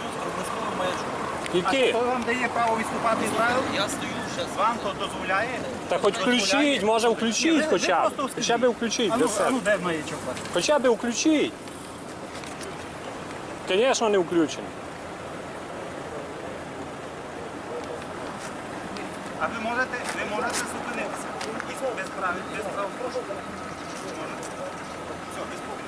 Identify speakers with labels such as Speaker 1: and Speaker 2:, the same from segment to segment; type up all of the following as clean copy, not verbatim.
Speaker 1: з проблисковим маячком.
Speaker 2: Які?
Speaker 3: Хто вам дає право відступати від правил?
Speaker 1: Я стою ще з
Speaker 3: Вам то дозволяє?
Speaker 2: Та хоч включіть, може включіть хоча б. Хоча б включіть
Speaker 3: А
Speaker 2: для
Speaker 3: ну,
Speaker 2: себе.
Speaker 3: де маячок у вас?
Speaker 2: Хоча б включіть. Звісно, не включений.
Speaker 3: А ви можете зупинитися. Без прав порушення. Все, без проблем.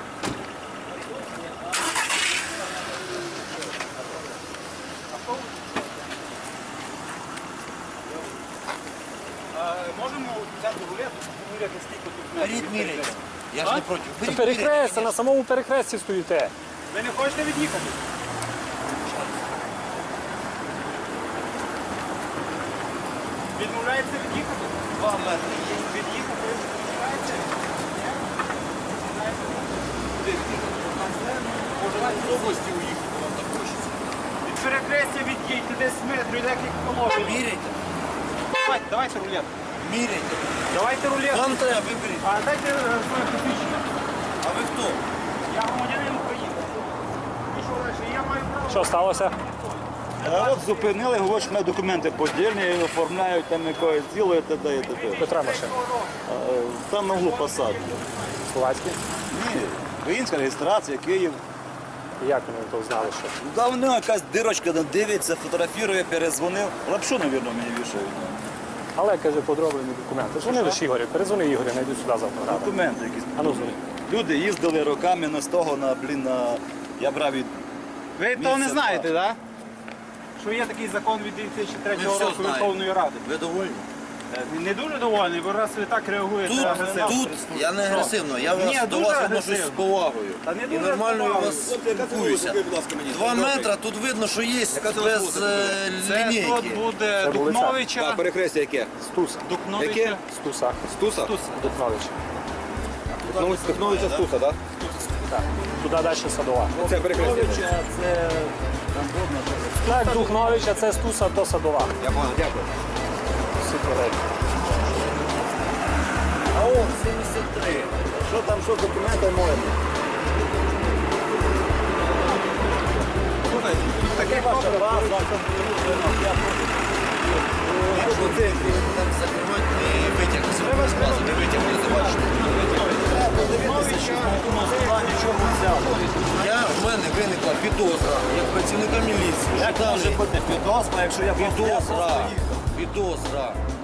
Speaker 3: Можемо взяти рулету, поміряти скільки тут.
Speaker 1: Беріть, міряйте. Я ж не проти.
Speaker 2: Це перехрестя, на самому перехресті стоїте.
Speaker 3: Ви не хочете від'їхати? Відмовляється від'їхати?
Speaker 1: 2 метри є.
Speaker 3: Від'їхати відмовляється?
Speaker 1: Може навіть з області уїхати, вам так хочеться.
Speaker 3: Від перехрестя від'їдьте десь метрів, декілька кілометрів.
Speaker 1: Міряйте.
Speaker 3: Давайте рулету.
Speaker 1: Міряйте.
Speaker 3: Давайте рулету.
Speaker 1: Вам треба, виберіть.
Speaker 3: А дайте своє посвідчення.
Speaker 1: А ви хто?
Speaker 3: Я громадянин України. І що далі? Я маю право.
Speaker 2: Що сталося?
Speaker 4: А от зупинили, говорять, що в мене документи подільні, оформляють там якоїсь діло і т.д. і т.д.
Speaker 2: Петра машина.
Speaker 4: Там на углу посадки.
Speaker 2: Словацький.
Speaker 4: Ні, українська реєстрація, Київ.
Speaker 2: Як вони то знали, що?
Speaker 4: Да, в нього якась дирочка, там дивиться, фотографірує, перезвонив. Лапшу, мабуть, мені вішають.
Speaker 2: Але, каже, подроблені документи. Дзвонили ж Ігорю, перезвони Ігорю, найди сюди завтра.
Speaker 4: Документи якісь.
Speaker 2: А ну дзвони.
Speaker 4: Люди їздили роками на з того, я брав від...
Speaker 3: Ви того не
Speaker 4: Місце,
Speaker 3: знаєте, так? Що є такий закон від 2003
Speaker 1: Ми все
Speaker 3: року
Speaker 1: знаємо.
Speaker 3: Верховної Ради.
Speaker 1: Ви довольні?
Speaker 3: Не дуже довольний, бо раз ви так реагуєте агресивно.
Speaker 1: Тут я не агресивно, я
Speaker 3: Ні,
Speaker 1: до
Speaker 3: дуже
Speaker 1: вас відношусь
Speaker 3: агресивно.
Speaker 1: з повагою.
Speaker 3: Та не
Speaker 1: І
Speaker 3: дуже
Speaker 1: нормально
Speaker 3: з
Speaker 1: я
Speaker 3: повагою.
Speaker 1: вас спілкуюся. 2 метри, тут видно, що є без
Speaker 3: Це
Speaker 1: лінійки.
Speaker 3: тут буде
Speaker 2: Це вулиця.
Speaker 3: Дукновича.
Speaker 4: перехрестя яке?
Speaker 2: Стуса.
Speaker 3: Дукновича.
Speaker 2: Стуса.
Speaker 4: Стуса?
Speaker 2: Дукновича.
Speaker 4: Техновиця Стуса, так?
Speaker 2: Так. Туди далі Садова.
Speaker 4: Це перехрестя.
Speaker 2: Так, Духновича, це Стуса, то Садова.
Speaker 4: Я понял, дякую.
Speaker 2: Всі коректні.
Speaker 4: А о, 73. Що там, що з документами можна?
Speaker 3: Слухайте, таке
Speaker 4: Ваша база,
Speaker 1: Там закривати не витяг. Не витяг, не забачите. В мене виникла підозра, як працівника міліції.
Speaker 4: Як може бути підозра, якщо я
Speaker 1: Підозра.